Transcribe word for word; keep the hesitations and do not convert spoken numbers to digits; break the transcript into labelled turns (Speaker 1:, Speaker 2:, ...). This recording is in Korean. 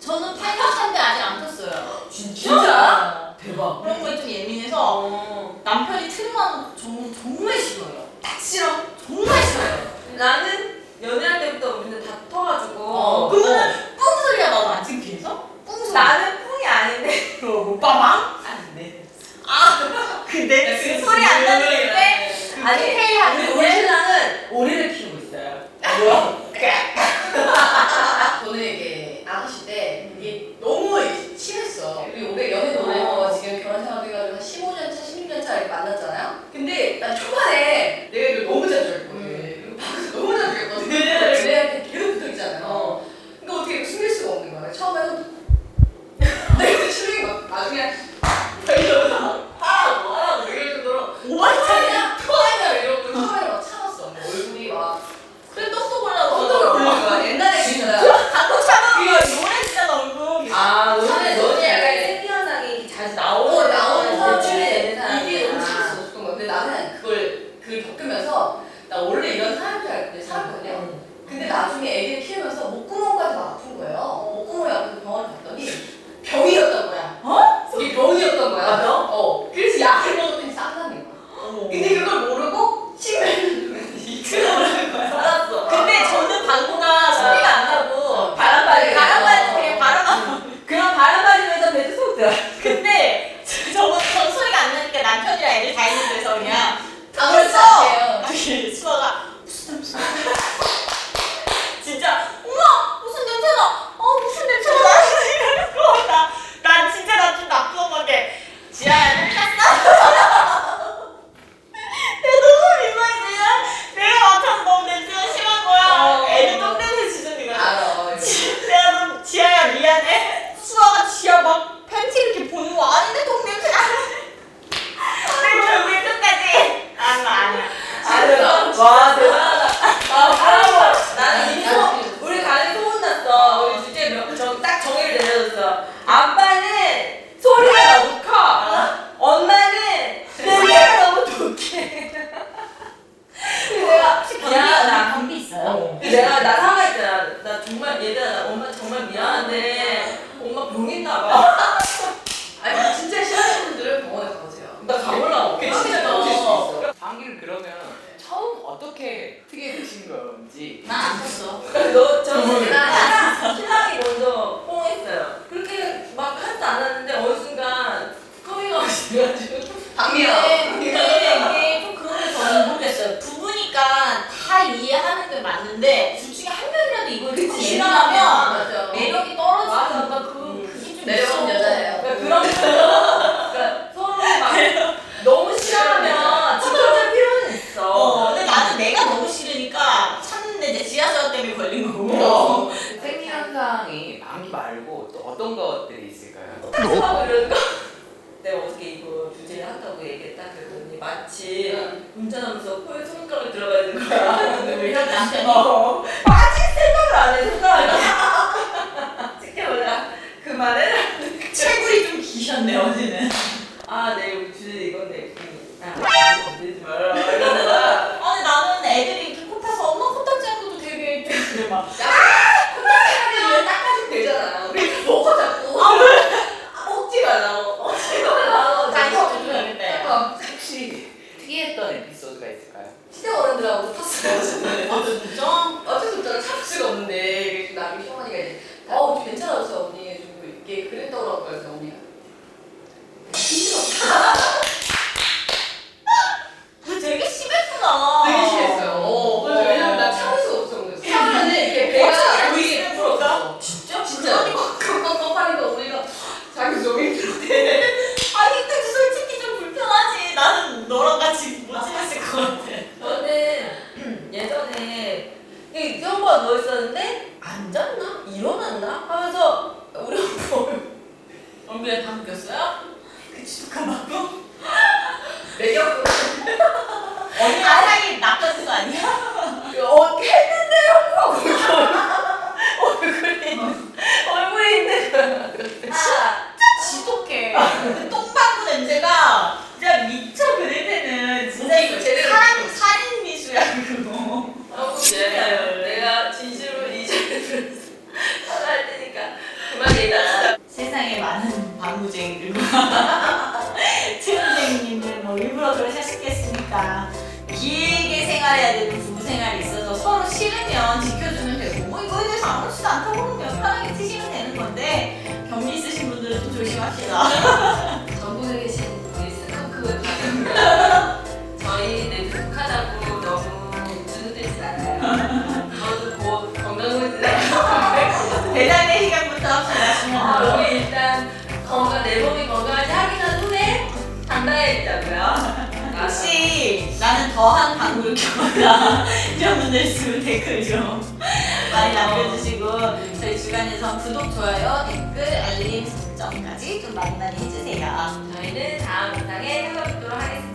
Speaker 1: 저는 팔 년 차인데 아직 안 폈어요.
Speaker 2: 진짜?
Speaker 1: 진짜?
Speaker 2: 대박.
Speaker 1: 그런 거에 좀 예민해서
Speaker 2: 어.
Speaker 1: 남편이 트림하는 거 정말, 정말 싫어요. 딱 싫어. 정말 싫어요.
Speaker 2: 나는 연애할 때부터 우리는 다 터가지고.
Speaker 1: 어, 그거는 뿡 소리가 나도 안 창피해서? 뿡 소리.
Speaker 2: 나는 뿡이 아닌데.
Speaker 1: 그 오빠방?
Speaker 2: 아닌데.
Speaker 1: 아, 근데 그 소리 안 나는 때
Speaker 2: 아니,
Speaker 1: 디테일 하는
Speaker 2: 우리,
Speaker 1: 게-
Speaker 2: 우리 신랑은 오리를 키우고 있어요. 뭐야?
Speaker 3: 저는 이게 아가씨 때 이게 너무 심했어. 우리 오백 연애도 오래 해서 지금 결혼 생활도 해가지고 한 십오 년 차, 십육 년 차 이렇게 만났잖아요. 근데 난 초반에 내가 이걸 너무 자주 했거든. 이거 방에서 너무 자주 했거든. 연애할 때 계속 붙어 있잖아요.
Speaker 2: 어.
Speaker 3: 그러니까 어떻게 숨길 수가 없는 거야. 처음에는 내가 심하게 막 나중에 이러면서 하라고 하라고 이럴 정도로
Speaker 1: 오만차냐?
Speaker 3: 토하냐 이러고 처음에 막 참았어. 뭐 얼굴이 막
Speaker 1: 그래 떡도 올라오고
Speaker 3: 엉덩이 올리는 거야. 옛날에 진짜.
Speaker 1: 갖고 참아. 이거 노래 진짜 얼굴.
Speaker 2: 아, 너는,
Speaker 3: 처음에
Speaker 2: 너는
Speaker 3: 너는
Speaker 2: 약간
Speaker 3: 약간
Speaker 2: 생리 현상이 자주
Speaker 3: 어,
Speaker 2: 나오는
Speaker 3: 나오는 사람
Speaker 2: 노출이
Speaker 3: 중에
Speaker 2: 되는 사람이야.
Speaker 3: 이게 너무 참을 수 없었던 거야. 근데 나는 그걸 그걸 겪으면서 나 원래 이런 사람인 줄 알고 살았거든요. 근데 나중에 애기를 키우면서 목구멍까지 막 아픈 거예요. 목구멍이 아파서 병원을 갔더니 병이었던 거야.
Speaker 1: 어?
Speaker 3: 이게 병이었던 거야.
Speaker 2: 아, 병?
Speaker 3: 어. 그래서 약을 먹었더니 쌍나는 거야.
Speaker 1: 어머.
Speaker 3: 근데 그걸 모르고 식매를
Speaker 2: 알았어.
Speaker 1: 근데 저는 방구가 소리가 안 나고
Speaker 2: 바람 빠지게
Speaker 1: 바람만
Speaker 2: 돼서.
Speaker 1: 그냥 바람.
Speaker 2: 그럼 바람 맞으면서 배도 속 들어.
Speaker 1: 근데 저거 저 소리가 안 나니까 남편이랑 애들 다 있는 데서 그냥
Speaker 3: 아무렇지
Speaker 1: 탔어.
Speaker 3: 않게요.
Speaker 1: 아니 수아가 무슨 냄새? 진짜 엄마 무슨 냄새나? 어 무슨 냄새가 나? 이러는 거야. 난 진짜 나 좀 나쁜 건데 지아야 똥 쌌어? 내가 너무 민망해. 내가 내가 맡아서 너무 냄새가 심한 거야.
Speaker 2: 어.
Speaker 1: 애들 똥 냄새 지는 거야.
Speaker 3: 알아.
Speaker 1: 지- 내가 너무 지아야 미안해. 수아가 지아 막 팬티 이렇게 보는 거 아닌데 똥 냄새 나. 내가 결국에 끝까지 아니야 아니야.
Speaker 2: 아, 와, 대단하다. 아, 바람 나는 이미
Speaker 3: 아니,
Speaker 2: 소, 우리 가족이 소문났어. 우리 주제 명, 정, 딱 정의를 내려줬어. 아빠는 소리가 너무 커. 엄마는 냄새가 너무 독해. 그래서 내가 미안하다.
Speaker 1: 감기 있어요?
Speaker 2: 그래서 내가 나 사과했잖아. 나 정말 얘들아, 나 엄마 정말 미안한데 엄마 병 있나 봐.
Speaker 3: 아니 진짜 싫어하는 분들은 병원에 가보세요.
Speaker 2: 나 가보려고.
Speaker 3: 그게 진짜 병실 수 있어.
Speaker 4: 방귀를 그러면 처음 어떻게 트게 되신 건지
Speaker 1: 난안 컸어.
Speaker 2: 너 저는
Speaker 3: 나-
Speaker 2: 신랑, 신랑이 먼저 뽕했어요. 그렇게 막 하지도 않았는데 어느 순간 커밍아웃이 돼가지고
Speaker 3: 방이요.
Speaker 1: 근데 이게 좀 그런 게 저는 모르겠어요. 부부니까 다 이해하는 게 맞는데 둘 중에 한 명이라도 이걸 듣고
Speaker 3: 그치,
Speaker 1: 싫어하면
Speaker 3: 맞아.
Speaker 1: 매력이
Speaker 2: 맞아.
Speaker 1: 떨어지니까 그,
Speaker 2: 음.
Speaker 1: 그게 좀
Speaker 3: 매력은
Speaker 1: 있어.
Speaker 3: 여자예요.
Speaker 2: 그러니까 그런 그러니까 서로 막 너무 싫어하면 지켜줄 필요는 있어.
Speaker 1: 어, 근데 나는 내가 너무 싫으니까 참는데 이제 지하철 때문에 걸린 거고.
Speaker 3: 어.
Speaker 4: 생리 현상이 방귀 말고 또 어떤 것들이 있을까요?
Speaker 2: 하고 이러는 거. 내가 어떻게 이거 주제를 한다고 얘기했다 그랬더니 마치
Speaker 3: 응.
Speaker 2: 운전하면서 코에 손가락을 들어가야 되는 거야.
Speaker 1: 근데 우리 현 남편이
Speaker 2: 어. 빠질 생각을 안 해, 손가락을. 지켜보자. 그만해.
Speaker 1: 채굴이 좀 기셨네 어제는.
Speaker 2: 아, 네, 우리 주제 이건데. 아, 건들지 말아라. 이러는 거야.
Speaker 1: 아니 나는 애들이 이렇게 코 타서 엄마 코딱지 한 것도 되게 좀 그래 막.
Speaker 3: 하면 닦아주면 되잖아. 왜 먹어 자꾸?
Speaker 2: 아, 먹지 말라고. 먹지 말라고.
Speaker 1: 간식 좀 줘야겠다.
Speaker 3: 잠깐.
Speaker 4: 혹시 특이했던 에피소드가 있을까요?
Speaker 3: 시대 어른들하고 탔어요.
Speaker 1: 아 진짜?
Speaker 3: 어쩔 수 없잖아. 참을 수가 없는데 나중에 시어머니가 이제 어우 좀 괜찮아졌어 언니 좀 이렇게 그랬더라고요. 그래서 언니가 힘들었다.
Speaker 1: 너 되게 심했구나.
Speaker 3: 되게 심했어요. 어. 그래서 왜냐면 나 참을 수가 없어. 그래서 참으면은 이렇게 배가 보이게 풀었어.
Speaker 2: 진짜?
Speaker 3: 진짜 꽉꽉꽉 하니까 언니가 자기 너무 힘들대.
Speaker 1: 아 힘들지 솔직히 좀 불편하지. 나는 너랑 같이 못 지냈을 것 같아.
Speaker 2: 저는 예전에 이 수영복가 누워있었는데 앉았나? 일어났나? 하면서 우리 오빠
Speaker 1: 얼굴에 방귀 꼈어요? 그 지독한 방구?
Speaker 3: 매력.
Speaker 1: 언니 아상이 낚아준 거 아니야?
Speaker 2: 어, 했는데요? 얼굴이 얼굴이 있는 거야.
Speaker 1: 진짜 지독해. 그 똥방구 냄새가 진짜 미쳐 그 냄새는 진짜 이거
Speaker 3: 제대로
Speaker 1: 살인 살인 미수야 그거.
Speaker 2: 아, 진짜요. 내가 진심으로 이 자리를 살아야 되니까 그만
Speaker 1: 생활이 있어서 서로 싫으면 지켜주면 되고 뭐 이거에 대해서 아무렇지도 않다고 그러면 편하게 트시면 되는 건데 경미 있으신 분들은 좀 조심합시다.
Speaker 2: 전국에 계신 우리 스컹크 가족들 저희 내두하다고 너무 주눅들지 않아요. 저도 곧 건강검진
Speaker 1: 대장내 시간부터 합시다.
Speaker 2: 아, 우리 일단 건강 내 몸이 건강한지 확인한 후에 당당해지자고요.
Speaker 1: 혹시 나는 더한 방울 켜거나 이런 분들 있으면 댓글 좀 많이 남겨주시고 저희 주간에서 구독, 좋아요, 댓글, 알림 설정까지 좀 많이 많이 해주세요.
Speaker 2: 저희는 다음 영상에 찾아뵙도록 하겠습니다.